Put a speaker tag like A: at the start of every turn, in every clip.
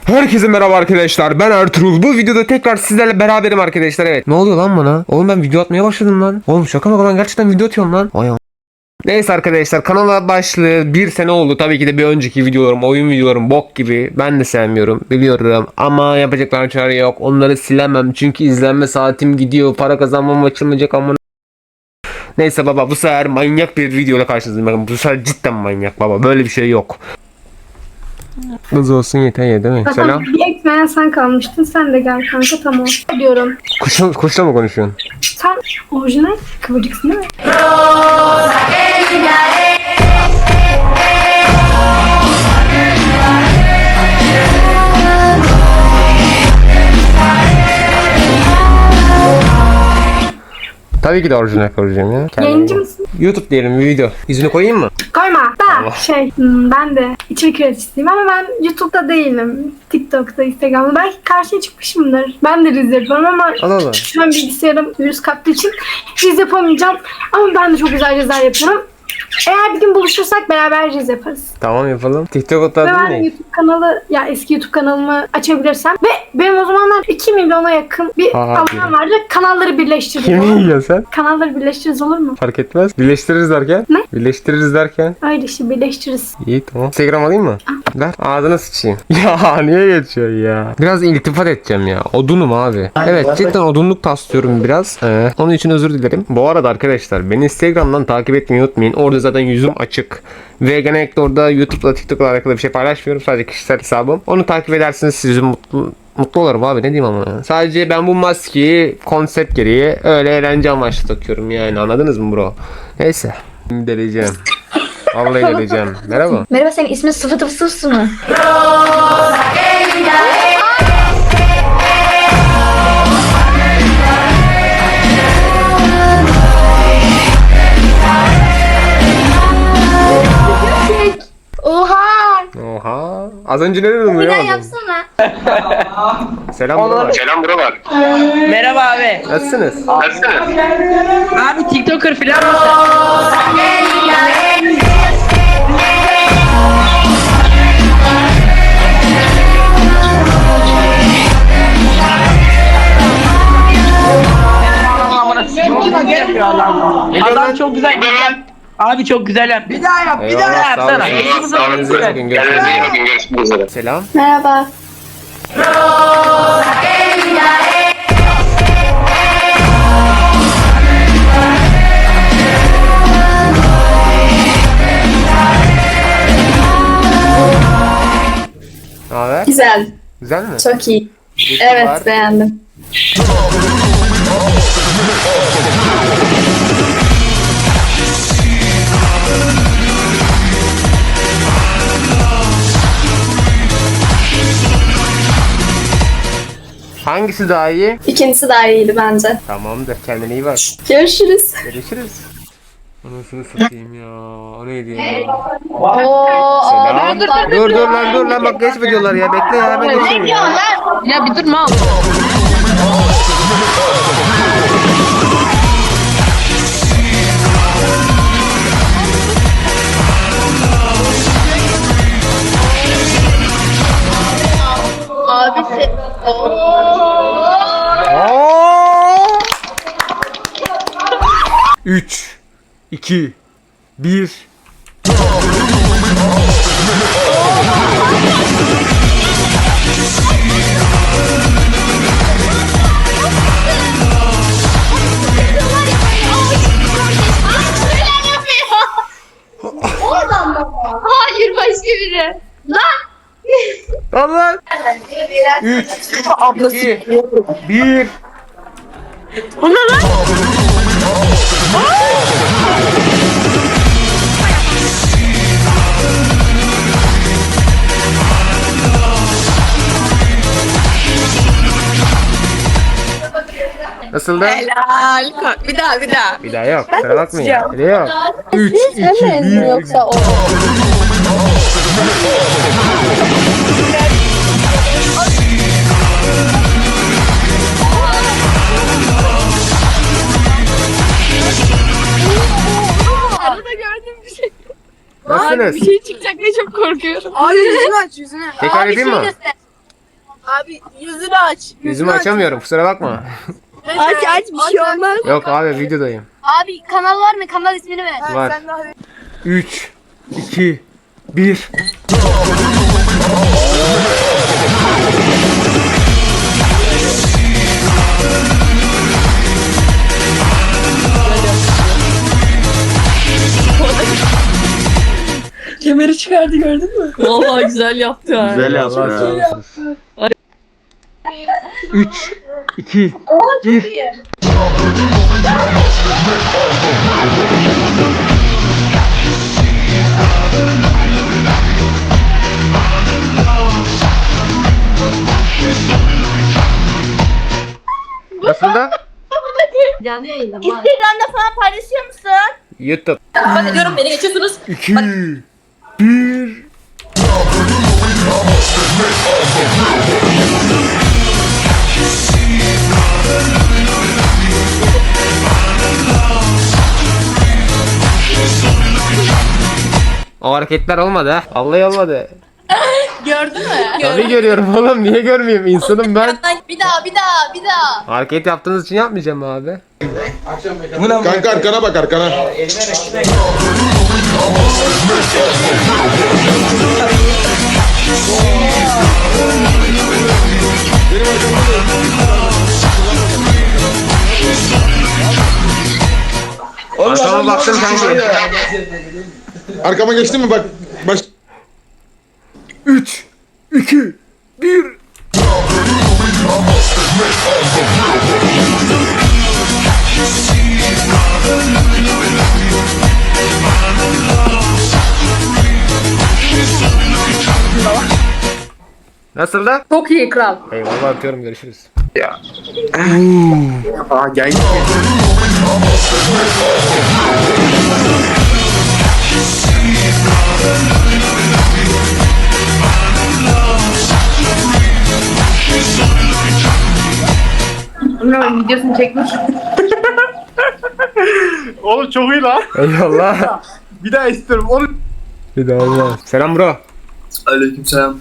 A: Herkese merhaba arkadaşlar, ben Ertuğrul. Bu videoda tekrar sizlerle beraberim arkadaşlar. Evet, ne oluyor lan bana? Oğlum ben video atmaya başladım lan. Oğlum şaka mı lan, gerçekten video atıyorum lan. Neyse arkadaşlar, kanala başlayalı bir sene oldu. Tabii ki de bir önceki videolarım, oyun videolarım bok gibi. Ben de sevmiyorum, biliyorum. Ama yapacaklar çare yok. Onları silemem çünkü izlenme saatim gidiyor. Para kazanmam açılmayacak ama. Neyse baba, bu sefer manyak bir videoyla karşınızdayım. Bakın bu sefer cidden manyak baba. Böyle bir şey yok. Kız olsun yeter ya, değil mi? Selam.
B: Bir ekmeğe sen kalmıştın. Sen de gel kanka, tamam. Diyorum.
A: Kuşla mı konuşuyorsun?
B: Sen orijinal kıvırcıksın değil mi?
A: Tabii ki de orijinal konuşacağım ya.
B: Yayıncı mısın?
A: YouTube diyelim, bir video. İzini koyayım mı?
B: Koyma.
A: Allah.
B: Ben de içerik üreticisiyim ama ben YouTube'da değilim. TikTok'ta, Instagram'da. Belki karşıya çıkmışımdır. Ben de riz yapıyorum ama
A: Allah Allah.
B: şu an bilgisayarım virüs kaptığı için riz yapamayacağım. Ama ben de çok güzel rizler yapıyorum. Eğer bir gün buluşursak beraber riz yaparız.
A: Tamam, yapalım. TikTok'ta
B: Ve
A: değil
B: ben
A: mi?
B: YouTube kanalı, ya eski YouTube kanalımı açabilirsem ve benim o zamanlar 2 milyona yakın bir
A: Aha,
B: abonem vardı. Kanalları birleştiririz.
A: Kimi
B: olur mu?
A: yiyorsun sen?
B: Kanalları birleştiririz, olur mu?
A: Fark etmez. Birleştiririz derken?
B: Ne?
A: Birleştiririz derken?
B: Öyle işte, birleştiririz.
A: İyi, tamam. Instagram alayım mı? Ver. Ağzına sıçayım. Ya niye geçiyorsun ya? Biraz iltifat edeceğim ya. Odunum abi. Evet, cidden odunluk taslıyorum biraz. Onun için özür dilerim. Bu arada arkadaşlar, beni Instagram'dan takip etmeyi unutmayın. Orada zaten yüzüm açık. Ve genellikle orada YouTube'la TikTok'la alakalı bir şey paylaşmıyorum. Sadece kişisel hesabım. Onu takip ederseniz sizi mutlu olurum abi, ne diyeyim ama ya. Sadece ben bu maskeyi konsept gereği öyle eğlence amaçlı takıyorum yani, anladınız mı bro? Neyse. Deleyeceğim. Vallahi deleyeceğim. Merhaba.
C: Merhaba, senin ismin Sıfıtı Fısıfsı mı? Oha!
A: Oha. Az önce ne dedim
C: Bir daha
A: ya?
C: yapsana.
A: Selam buralar. Selam buralar.
D: Merhaba abi.
A: Nasılsınız?
D: Abi TikToker falan mısın? Adam çok güzel. Abi çok güzel yap. Bir daha yap. Bir daha
A: Eyvallah, sağ
D: yapsana.
A: olasın. Kendinize iyi bakın. Görüşmek üzere. Selam.
B: Merhaba.
A: Ne haber?
C: Güzel,
A: Güzel mi?
C: çok iyi.
A: Geçti var.
C: Evet, beğendim.
A: Hangisi daha iyi?
C: İkincisi daha iyiydi bence.
A: Tamamdır. Kendine iyi bak.
C: Görüşürüz.
A: Görüşürüz. Anasını satayım ya. O neydi ya?
C: Oo,
A: Selam. Dur lan bak, geçme diyorlar ya. Bekle ya, hemen geçeyim ya.
D: Ya bir durma.
C: Abi sen...
A: 3 2 1.
C: Oradan mı? Hayır, başka biri. Lan!
A: Allah. 3 2 1. Nasıldı?
D: Helal. Bir daha.
A: Bir daha yok. Kusura bakmayın. Bir daha yok. 3 2 1.
C: Yoksa o.
A: Nasılsınız?
D: Bir şey çıkacak diye çok korkuyorum.
A: Tekrar edeyim mi?
E: Abi yüzünü aç.
A: Yüzümü açamıyorum kusura bakma.
E: Aç bir şey olmaz.
A: Yok abi videodayım.
C: Abi kanal var mı? Kanal ismini ver.
A: Var.
E: Sen daha
A: 3 2 1
E: kemeri çıkardı gördün mü? Vallahi güzel yaptı ha.
F: Güzel yaptın ha.
A: 3 2 1 Nasıl da?
C: Instagram'da falan paylaşıyor musun?
A: YouTube.
E: Ben diyorum beni geçiyorsunuz.
A: 2 1 O hareketler olmadı ha. Vallahi olmadı.
E: Gördün mü?
A: Tabii görüyorum oğlum. Niye görmeyeyim? İnsanım ben.
E: Bir daha.
A: Hareket yaptığınız için yapmayacağım abi.
F: Kanka arkana bak arkana.
A: Arkama baktım kanki.
F: Arkama geçtin mi bak. Baş...
A: 3 2 1 Nasıl da?
E: Çok iyi kral.
A: Eyvallah atıyorum görüşürüz.
F: Aa gel.
E: Bunun videosunu çekmiş.
F: Oğlum çok iyi lan.
A: Eyvallah.
F: Bir daha istiyorum. Oğlum.
A: Bir daha olmaz. Selam bro.
F: Aleykümselam.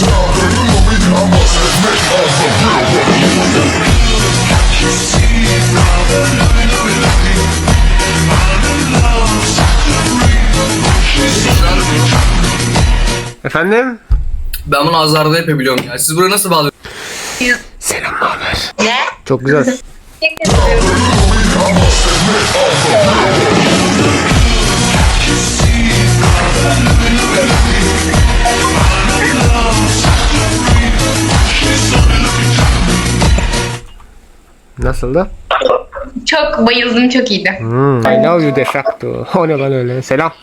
A: Efendim?
G: Ben bunu azarda yapabiliyorum ya. Siz buraya nasıl bağlıyorsunuz?
A: Selam haber? Ne? Çok güzel. Nasıldı?
C: Çok bayıldım, çok iyiydi.
A: I love you de facto. O ne lan öyle? Selam.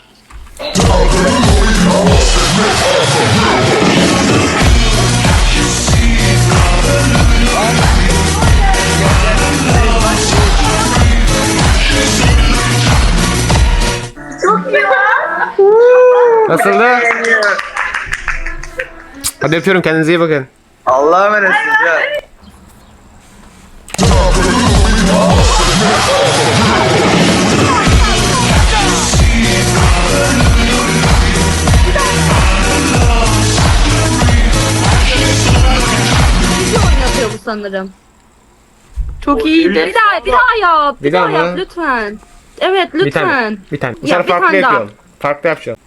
A: Nasıldı? Hadi öpüyorum kendinize iyi bakın.
F: Allah'a emanetsiniz ya.
H: Oynatıyor bu sanırım.
E: Çok iyiydi.
H: Bir daha yap.
A: Bir daha
H: yap
A: mı?
H: lütfen. Evet
A: Bir
H: lütfen.
A: tane. Bir tane. Bu
H: Ya,
A: sefer
H: bir
A: farklı
H: tane daha.
A: yapıyorum. Farklı yapacağım.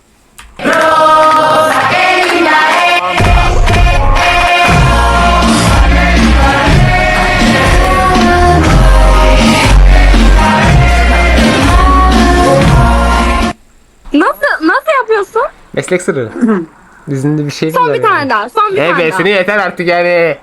H: Nasıl yapıyorsun?
A: Meslek sırrı. Dizinde bir şey
H: Son bir tane daha. Son bir tane daha.
A: Hebesini yeter artık yani.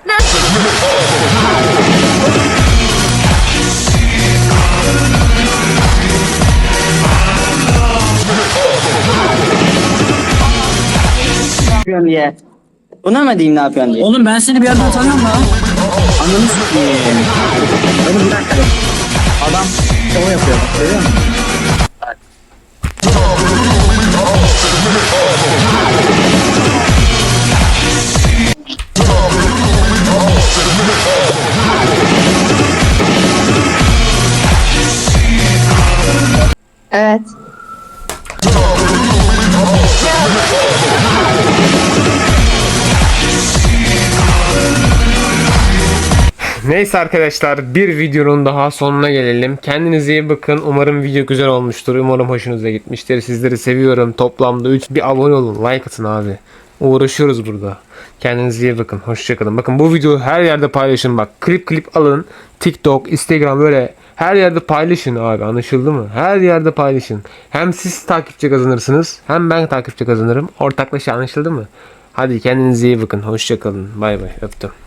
I: yapıyorsun diye. Buna mı diyeyim ne yapıyorsun diye.
D: Oğlum ben seni bir yerden tanıyorum lan.
I: Ananı s**eyim. Oğlum bir dakika. Adam şov yapıyor. Görüyor musun?
C: Evet.
A: Neyse arkadaşlar bir videonun daha sonuna gelelim. Kendinize iyi bakın. Umarım video güzel olmuştur. Umarım hoşunuza gitmiştir. Sizleri seviyorum. Toplamda 3 bir abone olun. Like atın abi. Uğraşıyoruz burada. Kendinize iyi bakın. Hoşçakalın. Bakın bu videoyu her yerde paylaşın. Bak klip alın. TikTok, Instagram böyle her yerde paylaşın abi. Anlaşıldı mı? Her yerde paylaşın. Hem siz takipçi kazanırsınız. Hem ben takipçi kazanırım. Ortaklaşa anlaşıldı mı? Hadi kendinize iyi bakın. Hoşçakalın. Bay bay. Öptüm.